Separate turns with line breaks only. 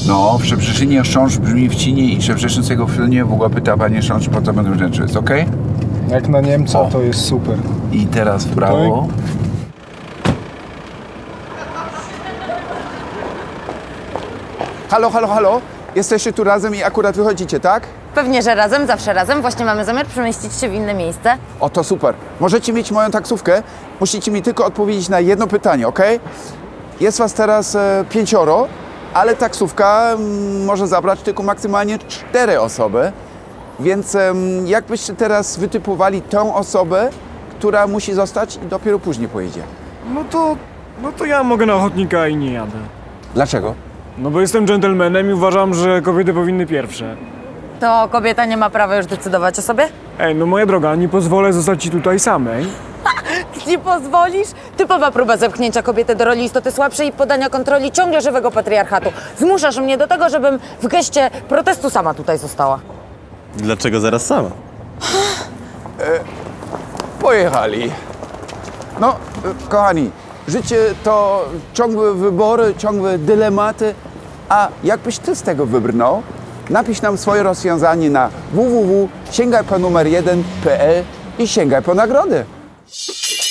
No, w Szczebrzeszynie chrząszcz brzmi w cinie i Szczebrzeszynskiego w filmie w ogóle pyta panie chrząszcz, po co będą rzeczy. Jest okej?
Jak na Niemca,
O.
to jest super.
I teraz w prawo.
Halo, halo, halo? Jesteście tu razem i akurat wychodzicie, tak?
Pewnie, że razem, zawsze razem. Właśnie mamy zamiar przemieścić się w inne miejsce.
O, to super. Możecie mieć moją taksówkę. Musicie mi tylko odpowiedzieć na jedno pytanie, ok? Jest was teraz 5, ale taksówka może zabrać tylko maksymalnie 4 osoby. Więc jakbyście teraz wytypowali tą osobę, która musi zostać i dopiero później pojedzie?
No to ja mogę na ochotnika i nie jadę.
Dlaczego?
No bo jestem dżentelmenem i uważam, że kobiety powinny pierwsze.
To kobieta nie ma prawa już decydować o sobie?
Ej, no moja droga, nie pozwolę zostać ci tutaj samej.
Nie pozwolisz? Typowa próba zepchnięcia kobiety do roli istoty słabszej i podania kontroli ciągle żywego patriarchatu. Zmuszasz mnie do tego, żebym w geście protestu sama tutaj została.
Dlaczego zaraz sama?
Pojechali. No, kochani, życie to ciągłe wybory, ciągłe dylematy. A jakbyś ty z tego wybrnął, napisz nam swoje rozwiązanie na www.sięgajponumer1.pl i sięgaj po nagrody.